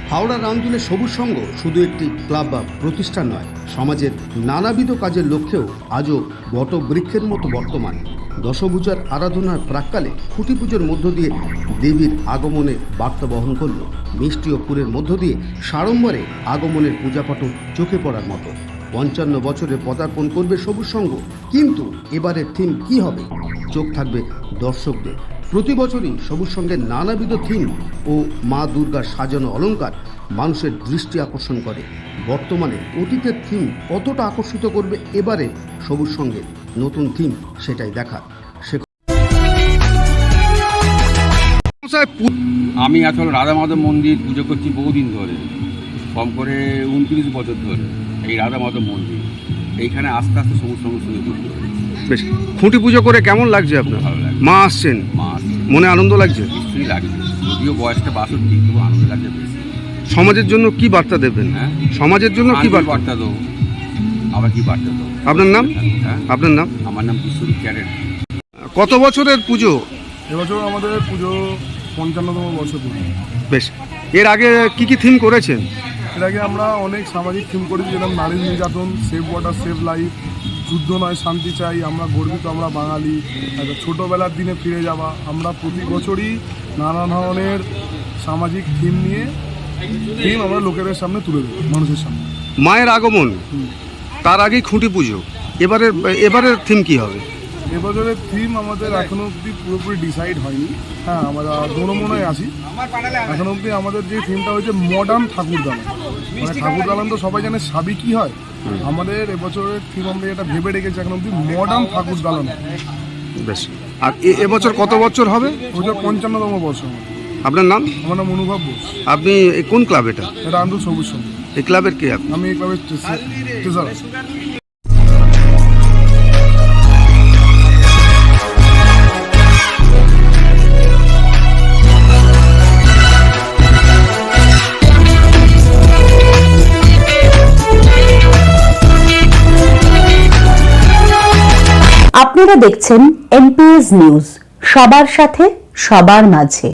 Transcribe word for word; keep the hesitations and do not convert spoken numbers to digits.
হাওড়া রামদুলে সবুজ সংঘ শুধু একটি ক্লাব বা প্রতিষ্ঠান নয়, সমাজের নানাবিধ কাজের লক্ষ্যেও আজও বটবৃক্ষের মতো বর্তমান। দশভূজার আরাধনার প্রাক্কালে খুঁটি পুজোর মধ্য দিয়ে দেবীর আগমনে বার্তা বহন করল। মিষ্টি ও পুরের মধ্য দিয়ে সাড়ম্বরে আগমনের পূজাপাঠও চোখে পড়ার মতো। পঞ্চান্ন বছরে পদার্পণ করবে সবুজ সংঘ, কিন্তু এবারের থিম কি হবে? চোখ থাকবে দর্শকদের। প্রতি বছরই সবুজ সংঘের নানাবিধ থিম ও মা দুর্গার সাজানো অলংকার মানুষের দৃষ্টি আকর্ষণ করে। বর্তমানে অতীতের থিম কতটা আকর্ষিত করবে এবারে সবুজ সংঘের নতুন থিম, সেটাই দেখা। আমি আসলে রাধা মাধব মন্দির পুজো করছি বহুদিন ধরে, কম করে উনত্রিশ বছর ধরে এই রাধা মাধব মন্দির। এইখানে আস্তে আস্তে সবুজ সংঘের সঙ্গে যুক্ত হয়েছে। বেশ, খুঁটি পুজো করে কেমন লাগছে আপনার? ভালো লাগছে। মা আসছেন, মা আসছে, মনে আনন্দ লাগছে? নিশ্চয়ই লাগছে। যদিও বয়সটা বাষট্টি, তবু আনন্দ লাগছে বেশি। সমাজের জন্য কি বার্তা দেবেন? হ্যাঁ, সমাজের জন্য কি বার্তা বার্তা দেবো? আবার কি বার্তা দেবো? আপনার নাম? হ্যাঁ, আপনার নাম? আমার নাম বিশ্বরূপ ক্যারেট। কত বছরের পুজো? এবছর আমাদের পুজো পঞ্চান্নতম বছর পুজো। বেশ, এর আগে কি কি থিম করেছেন? এর আগে আমরা অনেক সামাজিক থিম করেছি, যেরকম নারী নির্যাতন, সেভ ওয়াটার সেভ লাইফ, যুদ্ধ নয় শান্তি চাই, আমরা গর্বিত আমরা বাঙালি, ছোটোবেলার দিনে ফিরে যাওয়া। আমরা প্রতি বছরই নানা ধরনের সামাজিক থিম নিয়ে থিম আমরা লোকেদের সামনে তুলে দেবো, মানুষের সামনে। মায়ের আগমন, তার আগেই খুঁটি পুজো, এবারের এবারের থিম কি হবে? এবছরের থিম আমাদের এখনো অবধি পুরোপুরি ডিসাইড হয়নি। হ্যাঁ, আমরা দোনমোনায় আছি। এখনো অবধি আমাদের যে থিমটা হয়েছে মডার্ন ঠাকুর দালান। মানে ঠাকুর দালান তো সবাই জানে সাবি কি হয়, আমাদের এবছরের থিম আমরা যেটা ভেবে রেখেছি এখন অবধি মডার্ন ঠাকুর দালান। বেশ, আর এ- এবছর কত বছর হবে? ওটা পঞ্চান্নতম বর্ষ আমাদের। আপনার নাম? আমার নাম অনুভব বোস। আপনি এ কোন ক্লাব এটা? এটা আন্দোল সবুজ সংঘ। এই ক্লাবের কে আপনি? আমি এই ক্লাবের ট্রেজারার। আপনারা দেখছেন এনপিএস নিউজ, সবার সাথে সবার মাঝে।